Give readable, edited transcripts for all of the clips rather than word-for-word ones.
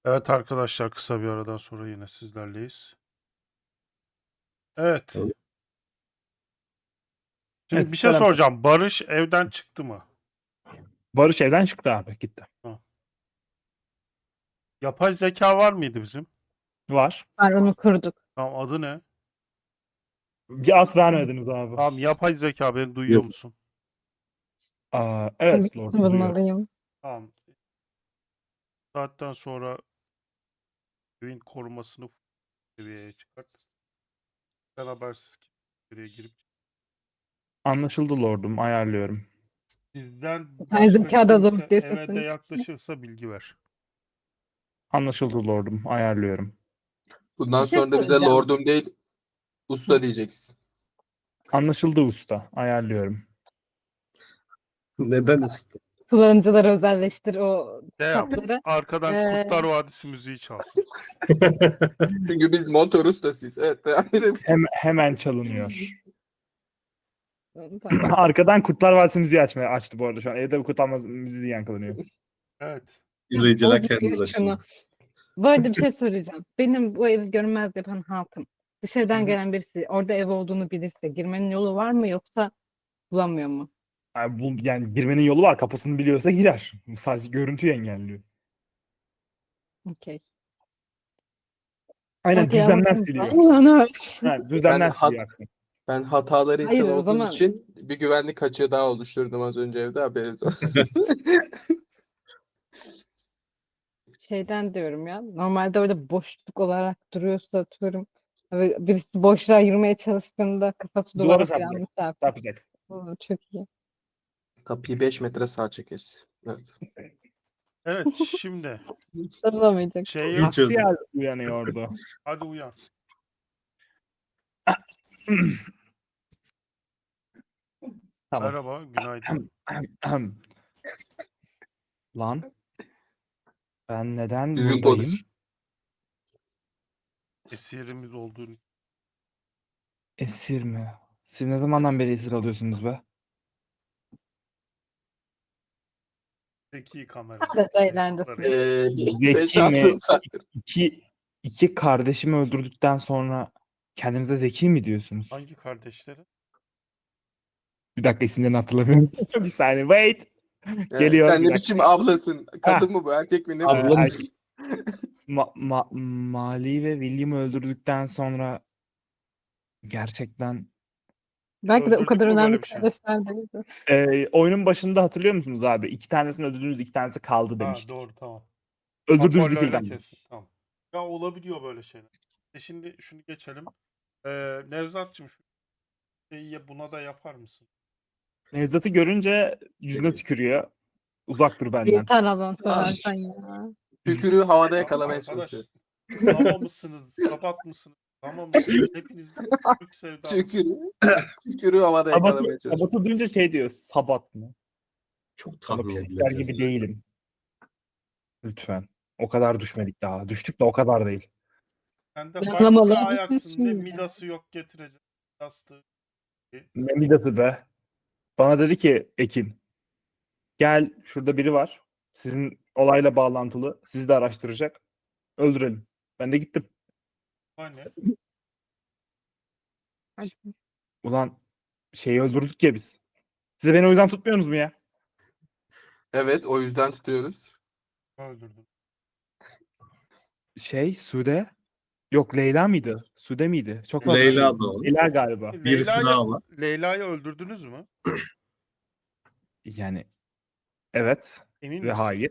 Evet arkadaşlar, kısa bir aradan sonra yine sizlerleyiz. Evet. Evet. Şimdi bir şey selam. soracağım. Barış evden çıktı mı? Barış evden çıktı abi, gitti. Yapay zeka var mıydı bizim? Var. Var, onu kurduk. Tamam, adı ne? Bir at vermediniz abi. Tamam, yapay zeka, beni duyuyor Yazık. musun? Aa, Tabii evet ki Lord duyuyor. bulmalıyım. Tamam. Saatten sonra evin korumasını seviyeye çıkart. Sen habersiz içeriye girip Anlaşıldı Lord'um, ayarlıyorum. bizden Yapay başka zeka da zor kimse diyor eve de sesini. yaklaşırsa bilgi ver. Anlaşıldı Lord'um, ayarlıyorum. Bundan Bir şey sonra da bize soracağım. lordum değil usta diyeceksin. Anlaşıldı usta, ayarlıyorum. Neden usta? Kullanıcılara özelleştir o Ne yap? sapları. Arkadan Kurtlar Vadisi müziği çalsın. Çünkü biz montör ustasıyız. Evet, devam edebiliriz. Hemen çalınıyor. Tamam. Arkadan Kurtlar Vadisi müziği açtı bu arada şu an. Evde bu Kurtlar Vadisi müziği yankılanıyor. Evet. İzleyiciler Bozmuyor kendiniz şunu. açın. Bu arada bir şey soracağım. Benim bu evi görünmez yapan hatım. Hı Dışarıdan hı. gelen birisi orada ev olduğunu bilirse girmenin yolu var mı, yoksa bulamıyor mu? Yani girmenin yolu var. Kapısını biliyorsa girer. Sadece görüntüyü engelliyor. Okey. Aynen, Okey, düzlemden anladım. siliyor. Aynen. Ha, düzlemden siliyor aksine. Ben hataları insan Hayır, o olduğum zaman için bir güvenlik açığı daha oluşturdum az önce evde, haberiniz olsun. şeyden diyorum ya. Normalde orada boşluk olarak duruyorsa, atıyorum. Ve birisi boşluğa yürümeye çalıştığında kafası Duvara duvara falan çarpacak. çarpıyor. Çarpacak. Oo, çok iyi. Kapıyı 5 metre sağa çekeriz. Evet. Evet, şimdi Sarılamayacak. şeyi Astiel uyanıyordu. hadi uyan. Tamam. Merhaba, günaydın. Lan, ben neden Düzgün buradayım? konuş. Esirimiz olduğunu. Esir mi? Siz ne zamandan beri esir alıyorsunuz be? Zeki kamera. Evet, Esirler eğlencesine. esir. Zeki 5-6 mi? saattir. İki kardeşimi öldürdükten sonra kendinize zeki mi diyorsunuz? Hangi kardeşleri? Bir dakika, isimlerini hatırlamıyorum. Bir saniye, wait. Geliyor Sen bir ne dakika. biçim ablasın? Ha. Kadın mı bu, erkek mi, ne bu? Abla mısın? Mali ve William'ı öldürdükten sonra gerçekten Belki de o Öldürdük kadar mü önemli böyle bir şey? kardeşler değildi. oyunun başında hatırlıyor musunuz abi? İki tanesini öldürdünüz, iki tanesi kaldı Ha, demiştik. doğru, tamam. Öldürdüğünüz Hoparlörle ikilden. kesin. Tamam. Ya olabiliyor böyle şeyler. Şimdi şunu geçelim. Nevzat'cığım şu şeyi buna da yapar mısın? Nevzat'ı görünce yüzüne tükürüyor. Uzak dur benden. Yeter Allah'ını seversen ya. Tükürüğü havada Ya yakalamaya arkadaş, çalışıyor. dama mısınız? Sabat mısınız? Dama mısınız? Hepiniz Türk sevdalısınız. Tükürüğü havada yakalamaya çalışıyor. Sabat'ı duyunca şey diyor. Sabat mı? Çok Ama tahmin pislikler edilebilir. gibi değilim. Lütfen. O kadar düşmedik daha. Düştük de o kadar değil. Sen de farklı Yazlamalı. bir ayaksın. Ne midası yok getirecek. Midası. Ne midası be. Bana dedi ki Ekin, gel şurada biri var. Sizin olayla bağlantılı. Sizi de araştıracak. Öldürelim. Ben de gittim. Hani? Ulan şeyi öldürdük ya biz. Size beni o yüzden tutmuyorsunuz mu ya? Evet, o yüzden tutuyoruz. Öldürdüm. Sude. Yok, Leyla mıydı? Sude miydi? Çok fazla Leyla da o. Leyla galiba. Birisi daha var. Leyla'yı öldürdünüz mü? Yani evet Emin ve misin? hayır.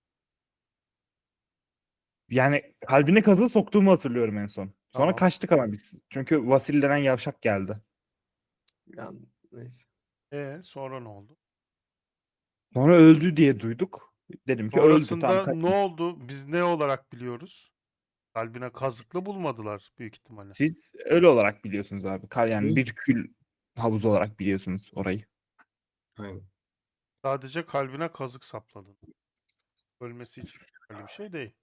Yani kalbine kazığı soktuğumu hatırlıyorum en son. Sonra Tamam. kaçtık ama biz. Çünkü Vasil denen yavşak geldi. Yani, neyse. Sonra ne oldu? Sonra öldü diye duyduk. Dedim ki öldü. Tamam, Sonrasında ne oldu? Biz ne olarak biliyoruz? Kalbine kazıklı bulmadılar büyük ihtimalle. siz öyle olarak biliyorsunuz abi. Yani bir kül havuzu olarak biliyorsunuz orayı. Aynen. Sadece kalbine kazık sapladın. Ölmesi için öyle bir şey değil.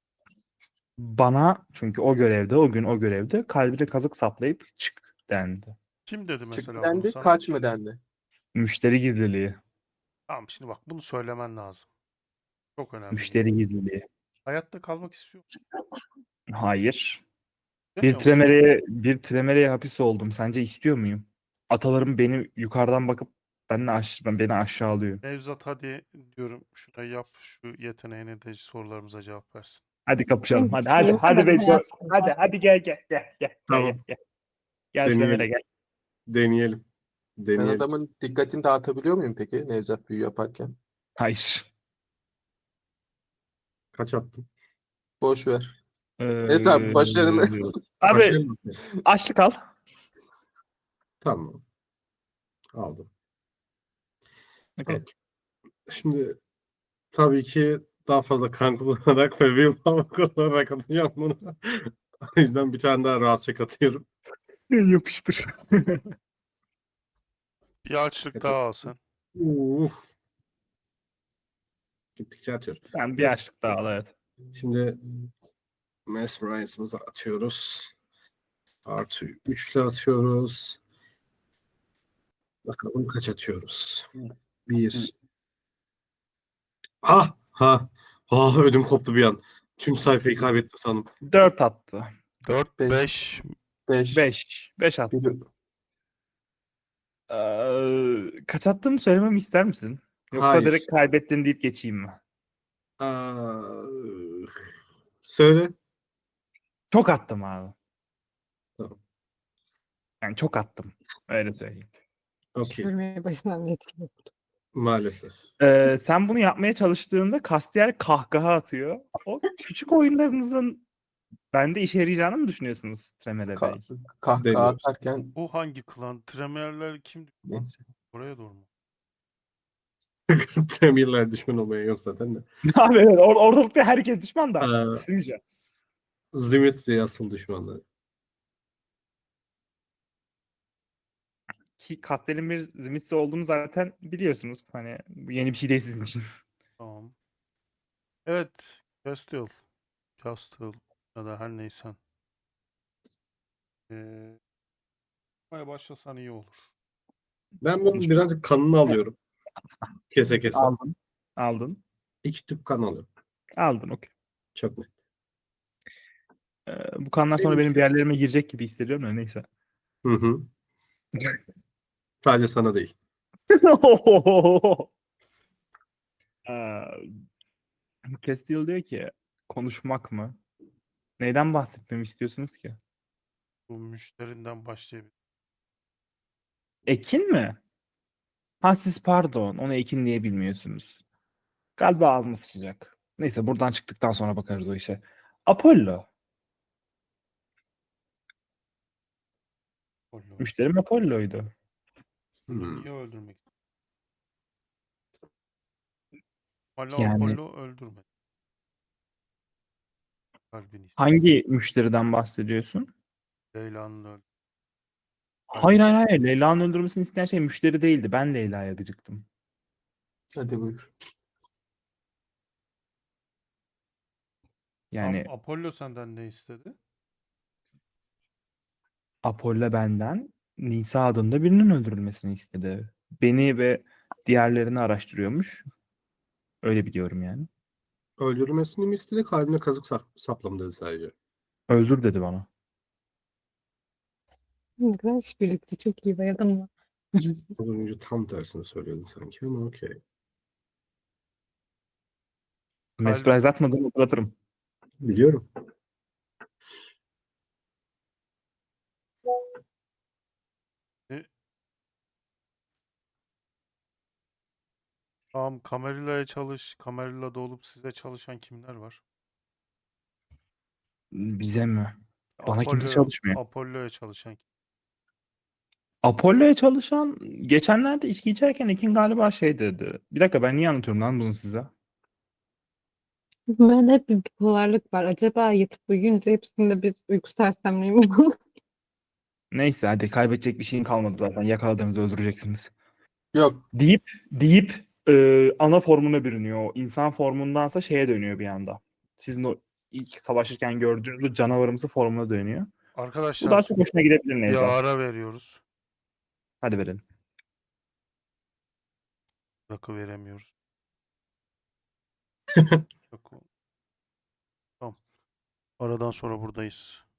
Bana çünkü o gün o görevde kalbine kazık saplayıp çık dendi. Kim dedi Çık mesela bunu dendi, sana? kaç mı dendi? Müşteri gizliliği. Tamam, şimdi bak bunu söylemen lazım. Çok önemli. Müşteri gizliliği. Hayatta kalmak istiyor musun? Hayır. İstemiyor musun? Bir tremereye hapis oldum. Sence istiyor muyum? Atalarım beni yukarıdan bakıp beni aşağılıyor. Nevzat hadi diyorum şurayı yap. Şu yeteneğine de sorularımıza cevap versin. Hadi kapışalım. Benim Hadi şeyim hadi var, ben Beco. hayatımda Hadi gel. Tamam. Gel tremere Deneyelim. gel. Deneyelim. Ben Deneyelim. adamın dikkatini dağıtabiliyor muyum peki Nevzat büyü yaparken? Hayır. Kaç attın? Boş ver. Evet abi, başarılı. Abi Başlayalım mı? açlık al. Tamam. Aldım. Okay. Okey. Şimdi tabii ki daha fazla kan kullanarak ve willpower kullanarak atacağım bunu. O yüzden bir tane daha rahatça atıyorum. Yapıştır. Bir açlık daha al sen. Uf. Gittikçe atıyorum. Sen bir açlık daha al, evet. Şimdi Mesmerize'ımızı atıyoruz. Artı 3'le atıyoruz. Bakalım kaç atıyoruz. 1. Ha ha. Ah, ödüm koptu bir an. Tüm sayfayı kaybettim sandım. 4 attı. 4, Beş. 5. 5. 5 attı. Kaç attığımı söylememi ister misin? Yoksa Hayır. direkt kaybettin deyip geçeyim mi? Aa, söyle. Çok attım abi. Tamam. Yani çok attım. Öyle söyleyeyim. Okey. çevirmeye başından yetmiyor. Maalesef. Sen bunu yapmaya çalıştığında Castiel kahkaha atıyor. O küçük oyunlarınızın bende işe yarayacağını mı düşünüyorsunuz Tremere Bey? Kahkaha Deniyoruz. atarken Bu hangi klan? Tremerler kim? neyse. Oraya doğru mu? Premierler düşman olmaya yok zaten de. Abi evet, ortalıkta herkes düşman da. Aa. Sizce? Zimitzi asıl düşmanları. Ki Castiel'in bir Zimitsi olduğunu zaten biliyorsunuz. Hani bu yeni bir şey değil sizin için. Tamam. Evet. Castle. Castle. Ya da her neysen. Yapmaya başlasan iyi olur. Ben bunun birazcık kanını alıyorum. Kese kese. Aldın. Aldın. 2 tüp kan alıyorum. Aldın, okey. Çok net. Bu kanlar sonra Benim benim bir yerlerime girecek gibi hissediyorum da neyse. Hı hı. Sadece sana değil. Castile diyor ki konuşmak mı? Neyden bahsetmemi istiyorsunuz ki? Bu müşterinden başlayabilir. Ekin mi? Ha siz pardon. Onu Ekin diye bilmiyorsunuz. Galiba ağzıma sıçacak. Neyse buradan çıktıktan sonra bakarız o işe. Apollo. Apollo. Müşterim Apollo'ydu. Bunu Hmm. niye öldürmek? Hala Yani- Apollo öldürmedi. Kalbini. Hangi müşteriden bahsediyorsun? Leyla'nın öldü. Hayır. Leyla'nın öldürmesini isteyen şey müşteri değildi. Ben Leyla'ya gıcıktım. Hadi buyur. Yani Apollo senden ne istedi? Apollo benden Nisa adında birinin öldürülmesini istedi. Beni ve diğerlerini araştırıyormuş. Öyle biliyorum yani. Öldürmesini mi istedi? Kalbine kazık saplam dedi sadece. Öldür dedi bana. Ne kadar işbirlikçi, çok iyi, bayıldım mı? Az önce tam tersini söylüyordun sanki ama okey. Mesprize atmadığımı hatırlatırım. Biliyorum. Tamam, Camarilla'ya çalış. Camarilla'da olup size çalışan kimler var? Bize mi? Bana kimse Apollo'ya- çalışmıyor. Apollo'ya çalışan kim? Apollo'ya çalışan geçenlerde içki içerken Ekin galiba şey dedi. Bir dakika ben niye anlatıyorum lan bunu size? Ben hep bir bipolarlık var. Acaba yatıp uyuyunca hepsinde bir uyku sersemliği mi var? Neyse hadi kaybedecek bir şeyin kalmadı zaten. Yakaladığınızı öldüreceksiniz. Yok. Deyip ana formuna bürünüyor. O insan formundansa şeye dönüyor bir anda. Sizin o ilk savaşırken gördüğünüz o canavarımsı formuna dönüyor. Bu daha Arkadaşlar çok hoşuna gidebilir bir Nevzat. ara veriyoruz. Hadi verelim. Bir dakika veremiyoruz. Bir dakika. Aradan sonra buradayız.